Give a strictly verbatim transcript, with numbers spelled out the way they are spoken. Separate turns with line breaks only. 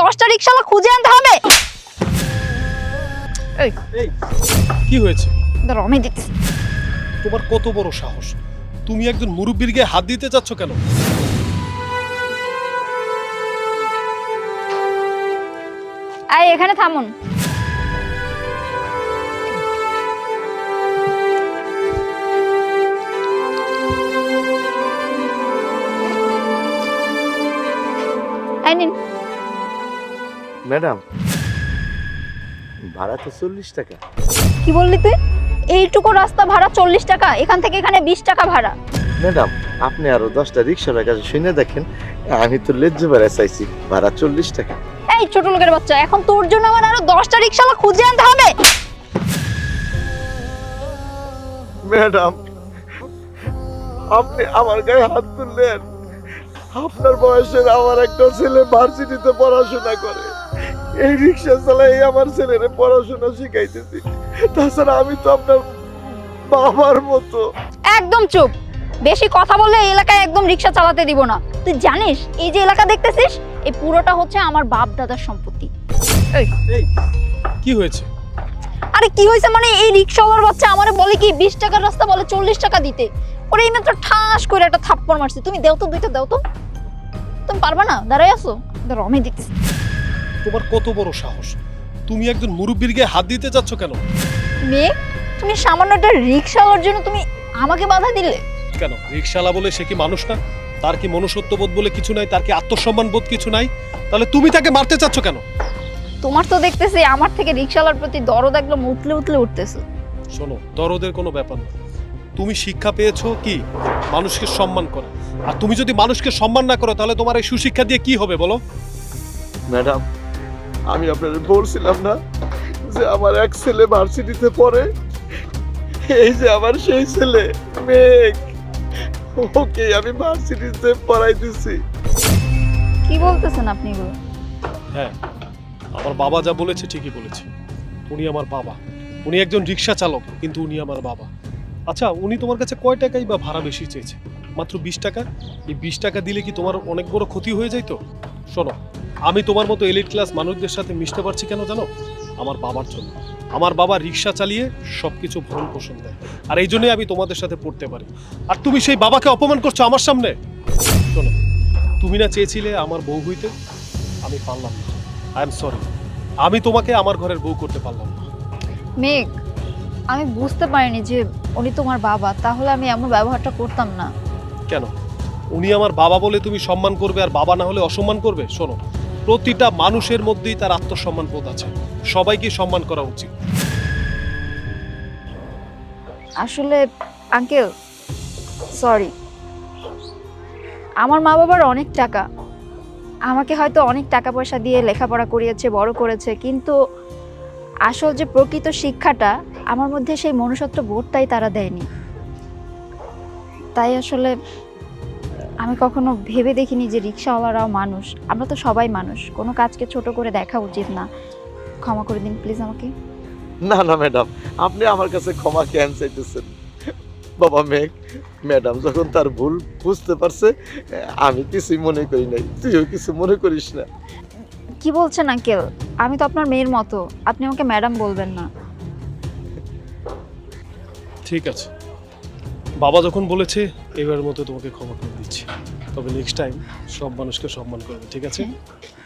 দশটা রিকশাওয়ালা খুঁজে আনতে হবে। এই
এই কি হয়েছে?
দাঁড়াও আমি দেখছি।
তোমার কত বড় সাহস, তুমি একজন মুরব্বির গায়ে হাত দিতে চাচ্ছ কেন?
এই এখানে থামুন। এই নিন।
ম্যাডাম, ভাড়া তো চল্লিশ টাকা।
কি বললি তুই? এইটুকু রাস্তা ভাড়া চল্লিশ টাকা, এখান থেকে এখানে বিশ টাকা ভাড়া।
ম্যাডাম, আপনি আরো দশটা রিক্সার কাছে শুনে দেখেন, আমি তো লেজ্জে ভাড়া চাইছি, ভাড়া চল্লিশ টাকা।
এই ছোট লোকের বাচ্চা, এখন তোর জন্য আমার আরো দশটা রিকশাওয়ালা খুঁজে আনতে হবে।
ম্যাডাম, আপনি আমার গায়ে হাত তুললেন। আপনার বয়সের আমার একটা ছেলে ভার্সিটিতে পড়াশোনা করে, এই রিক্সা চালাই আমার ছেলেরে পড়াশোনা শিখাইতেছি। তাছাড়া আমি তো আপনার বাবার মতো।
একদম চুপ, বেশি কথা বললে এই এলাকায় একদম রিকশা চালাতে দিব না। তুই জানিস এই যে এলাকা দেখতেছিস, এই পুরোটা হচ্ছে আমার বাপ দাদার সম্পত্তি।
এই এই কি হয়েছে?
আরে কি হয়েছে মানে, এই রিকশাওয়ালার বাচ্চা আমারে বলে কি বিশ টাকার রাস্তা বলে চল্লিশ টাকা দিতে। ওরে এই মাত্র ঠাস করে একটা থাপ্পড় মারছি। তুমি দেও তো, দুইটা দাও তো। তুমি পারবা না? দাঁড়াই আছো, দাঁড়াও আমি দেখছি।
তোমার কত বড় সাহস, তুমি একজন মুরব্বির গায়ে হাত দিতে চাচ্ছ কেন?
মেয়ে, তুমি সামান্য একটা রিকশাওয়ালার জন্য তুমি আমাকে বাধা দিলে
কেন? রিকশালা বলে সে কি মানুষ না? তার কি মনুষ্যত্ববোধ বলে কিছু নাই? তার কি আত্মসম্মান বোধ কিছু নাই? তাহলে তুমি তাকে মারতে চাচ্ছ কেন?
তোমার তো দেখতেছি আমার থেকে রিকশাওয়ালার প্রতি দরদ একদম উতলে উতলে উঠতেছে।
শোনো, দরদের কোনো ব্যাপার না। তুমি শিক্ষা পেয়েছো কি মানুষকে সম্মান করা, আর তুমি যদি মানুষকে সম্মান না করো তাহলে তোমার এই সুশিক্ষা দিয়ে কি হবে বলো?
ম্যাডাম, আমি আপনাদের বলছিলাম না যে আমার এক ছেলে ভার্সিটিতে পড়ে, এই যে আমার সেই ছেলে মেঘ, ওকে আমি ভার্সিটিতে পড়াইতেছি।
কি বলতেছেন আপনি এগুলো?
হ্যাঁ, আমার বাবা যা বলেছে ঠিকই বলেছে। উনি আমার বাবা, উনি একজন রিক্সা চালক, কিন্তু উনি আমার বাবা। আচ্ছা, উনি তোমার কাছে কয় টাকাই বা ভাড়া বেশি চেয়েছে? মাত্র বিশ টাকা। এই বিশ টাকা দিলে কি তোমার অনেক বড় ক্ষতি হয়ে যায়? তো শোনো, আমি তোমার মতো এলিট ক্লাস মানুষদের সাথে মিশতে পারছি কেন জানো? আমার বাবার জন্য। আমার বাবা রিক্সা চালিয়ে সবকিছু ভরণ পোষণ দেয়, আর এই জন্যই আমি তোমাদের সাথে পড়তে পারি। আর তুমি সেই বাবাকে অপমান করছো আমার সামনে। শোনো, তুমি না চেয়েছিলে আমার বউ হইতে, আমি পারলাম না। আই এম সরি, আমি তোমাকে আমার ঘরের বউ করতে পারলাম না।
মেঘ, আমি বুঝতে পারিনি যে উনি তোমার বাবা, তাহলে আমি এমন ব্যবহারটা করতাম না।
কেন? উনি আমার বাবা বলে তুমি সম্মান করবে, আর বাবা না হলে অসম্মান করবে? শোনো, প্রতিটা মানুষের মধ্যেই তার আত্মসম্মান বোধ আছে, সবাইকে সম্মান করা উচিত।
আসলে আঙ্কেল, সরি। আমার মা বাবার অনেক টাকা, আমাকে হয়তো অনেক টাকা পয়সা দিয়ে লেখাপড়া করিয়েছে, বড় করেছে, কিন্তু আসল যে প্রকৃত শিক্ষাটা আমার মধ্যে, সেই মনুষ্যত্ব বোধটাই তারা দেয়নি। তাই আসলে আমি কখনো ভেবে দেখিনি যে রিক্সাওয়ালারাও মানুষ। আমরা তো সবাই মানুষ, কোনো কাজকে ছোট করে দেখা উচিত না। ক্ষমা করে দিন প্লিজ আমাকে।
না না ম্যাডাম, আপনি আমার কাছে ক্ষমা কেন চাইতেছেন? বাবা মেঘ, ম্যাডাম যখন তার ভুল বুঝতে পারছে, আমি কিছুই মনে করি নাই, তুইও কিছু মনে করিস না।
কি বলছেন আঙ্কেল? আমি তো আপনার মেয়ের মতো, আপনি আমাকে ম্যাডাম বলবেন না।
ঠিক আছে, বাবা যখন বলেছে এবারের মতো তোমাকে ক্ষমা করে দিচ্ছি, তবে নেক্সট টাইম সব মানুষকে সম্মান করবে, ঠিক আছে?